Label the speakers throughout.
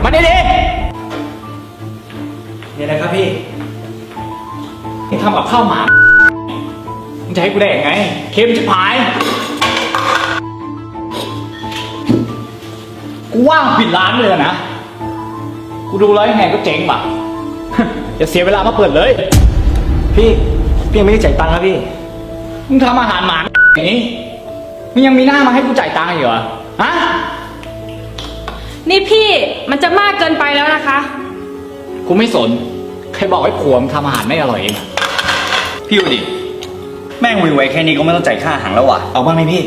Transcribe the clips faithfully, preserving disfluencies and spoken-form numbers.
Speaker 1: มาดิดินี่อะไรครับพี่นี่ทำกับข้าวหมามึงจะให้กูได้ยังไงเค็มชิบหายกูว่างปิดร้านเลยนะกูดูแล้วยังไงก็เจ๊งป่ะอย่าเสียเวลามาเปิดเลยพี่พี่ยังไม่ได้จ่ายตังค์นะพี่มึงทำอาหารหมาอย่างนี้มึงยังมีหน้ามาให้กูจ่ายตังค์อยู่เหรอฮะ
Speaker 2: นี่พี่มันจะมากเกินไปแล้วนะคะ
Speaker 1: กูไม่สนใครบอกให้ผัวมึงทำอาหารไม่อร่อยเอง
Speaker 3: พี่ดูดิแม่งวิวไว้แค่นี้ก็ไม่ต้องจ่ายค่าอาหารแล้ววะ
Speaker 1: เอาบ้างไหมพี่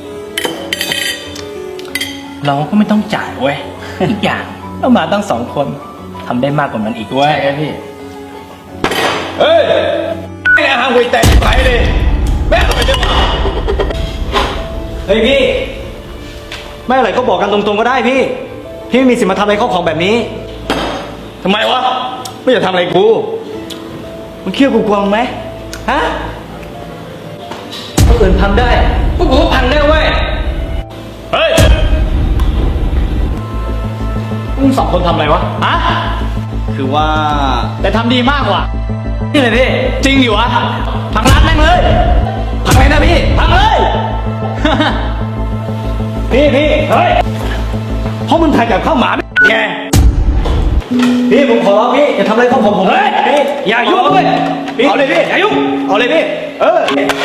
Speaker 3: เราก็ไม่ต้องจ่ายเว้ยอีกอย่างเรามาตั้งสองคนทำได้มากกว่านั้นอีกเว้ย
Speaker 1: ใช่พี่
Speaker 3: เฮ้ยไอ้อาหารไว้แต่ไปเลยแม่อร่อยจัง
Speaker 1: เฮ้ยพี่ไม่อะไรก็บอกกันตรงๆก็ได้พี่พี่ไม่มีสิทธิ์มาทำอะไรเข้าของแบบนี้
Speaker 3: ทำไมวะไม่อยากทำอะไรกู
Speaker 1: มึงเคี่ยวกูกวางไหมฮะคนอื่นพังได้พวกกูก็พังได้เว้ย
Speaker 3: เฮ้ย
Speaker 1: มึงสองคนทำอะไรวะฮะ
Speaker 3: คือว่า
Speaker 1: แต่ทำดีมากกว่านี่เลยพี่จริงดิวะพังร้านแม่งเลยพังเลยนะพี่พังเลยพี่พี่เฮ้ย
Speaker 3: เพราะมึงถ่ายกับข้าวหมาไง
Speaker 1: พี่ผมขอร้องพี่อย่าทำอะไรข้าวผมผม
Speaker 3: เฮ้ย
Speaker 1: พี่
Speaker 3: อย่ายุ่งเลยเอาเลยพี่อย่ายุ่ง
Speaker 1: เอาเลยพี่เออ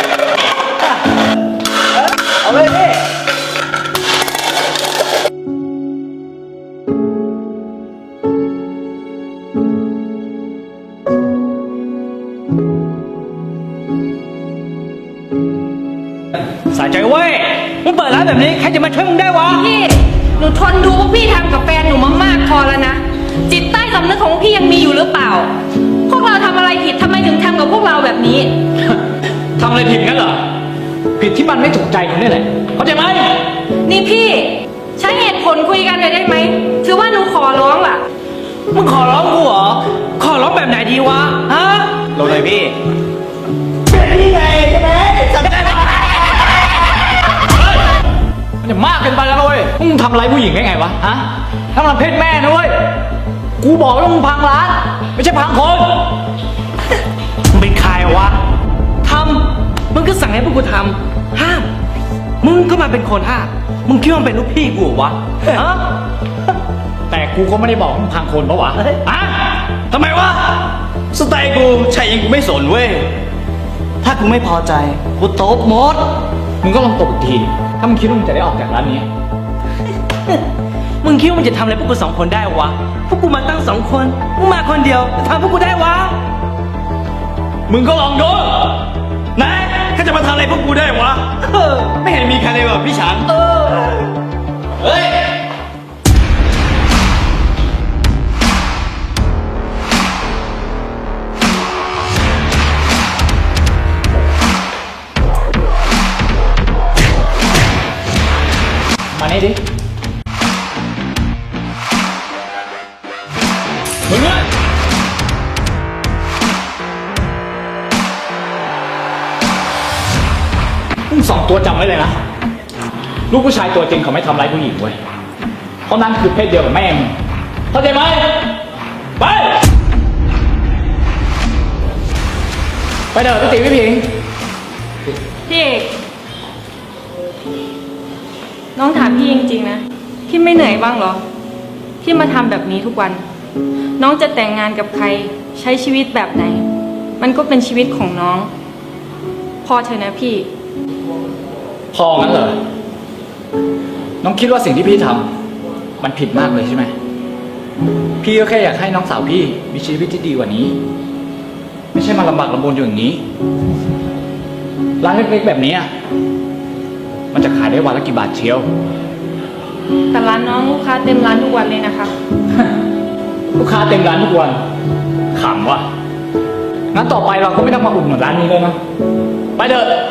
Speaker 1: เอาเลยพี่
Speaker 3: สายใจเว้ยมึงเปิดร้านแบบนี้ใครจะมาช่วยมึงได้วะ
Speaker 2: พี่หนูทนดูพวกพี่ทำกับแฟนหนูมามากพอแล้วนะจิตใต้สำนึกของพี่ยังมีอยู่หรือเปล่าพวกเราทำอะไรผิดทำไมถึงทำกับพวกเราแบบนี้
Speaker 1: ทำอะไรผิดงั้นเหรอผิดที่มันไม่ถูกใจคุณนี่แหละเข้าใจไหม
Speaker 2: นี่พี่ใช้เหตุผลคุยกันเลยได้ไหมถือว่าหนูขอร้องล่ะ
Speaker 3: มึงขอร้องกูเหรอขอร้องแบบไหนดีวะฮะ
Speaker 1: ลงเลยพี่เป็นพี่ไงใช่ไหมจำได้ไหมมันจะมากเกินไปแล้วเว้ยมึงทำอะไรผู้หญิงได้ไงวะฮะทำอะไรเพศแม่นะเว้ยกูบอกว่ามึงพังร้านไม่ใช่พังคน
Speaker 3: มึงเป็นใครวะทำมึงก็สั่งให้พวกกูทำห้ามมึงก็มาเป็นคนห้ามมึงคิดว่าเป็นลูกพี่กูวะฮะ
Speaker 1: แต่กูก็ไม่ได้บอกมึงพังคนปะวะ
Speaker 3: ฮะทำไมวะสไตล์กูใช่ยังกูไม่สนเว้ยถ้ากูไม่พอใจกูตบหมด
Speaker 1: มึงก็ลองตบอีกทีถ้ามึงคิดว่ามึงจะได้ออกจากร้านนี้
Speaker 3: มึงคิดว่ามึงจะทำอะไรพวกกูสองคนได้วะพวกกูมาตั้งสองคนมึงมาคนเดียวจะทำพวกกูได้วะ
Speaker 1: มึงก็ลองดู
Speaker 3: นะเขาจะมาทำอะไรพวกกูได้วะไม่เห็นมีใครเลยว่ะพี่ฉันเฮ้ย
Speaker 1: มานี่ดิมึงอะมึงสองตัวจำไว้เลยนะลูกผู้ชายตัวจริงเขาไม่ทำร้ายผู้หญิงเว้ยเพราะนั่นคือเพศเดียวกับแม่มึงเข้าใจไหมไปไปเด้อพี่ติ๋วพี่ผิง
Speaker 2: พี่เอกน้องถามพี่จริงๆนะพี่ไม่เหนื่อยบ้างเหรอที่มาทำแบบนี้ทุกวันน้องจะแต่งงานกับใครใช้ชีวิตแบบไหนมันก็เป็นชีวิตของน้องพอเถอะนะพี่
Speaker 1: พองั้นเหรอน้องคิดว่าสิ่งที่พี่ทำมันผิดมากเลยใช่ไหมพี่ก็แค่อยากให้น้องสาวพี่มีชีวิตที่ดีกว่านี้ไม่ใช่มาลำบากลำบนอยู่อย่างนี้ร้านเล็กๆแบบนี้มันจะขายได้วันละกี่บาทเชียว
Speaker 2: แต่ร้านน้องลูกค้าเต็มร้านทุกวันเลยนะคะ
Speaker 1: ลูกค้าเต็มร้านทุกวันขำว่ะงั้นต่อไปเราก็ไม่ต้องมาอุดหนุนร้านนี้เลยนะไปเถอะ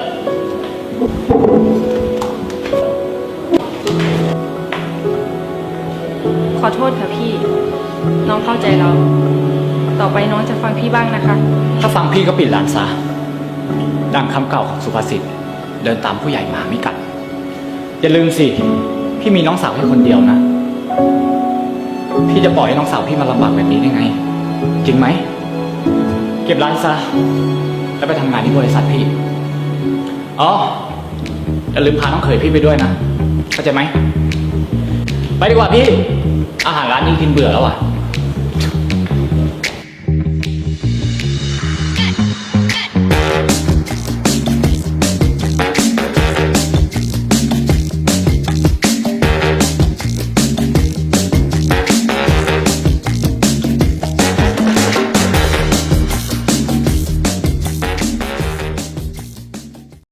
Speaker 2: ขอโทษค่ะพี่น้องเข้าใจเราต่อไปน้องจะฟังพี่บ้างนะคะ
Speaker 1: ถ้าฟังพี่ก็ปิดร้านซะดังคำเก่าของสุภาษิตเดินตามผู้ใหญ่มาไม่กัดอย่าลืมสิพี่มีน้องสาวแค่คนเดียวนะพี่จะปล่อยให้น้องสาวพี่มาลำบากแบบนี้ได้ไง จริงไหม เก็บร้านซะ แล้วไปทำงานที่บริษัทพี่ อ๋อ อย่าลืมพาน้องเขยพี่ไปด้วยนะ เข้าใจไหม ไปดีกว่าพี่ อาหารร้านนี้กินเบื่อแล้วอ่ะ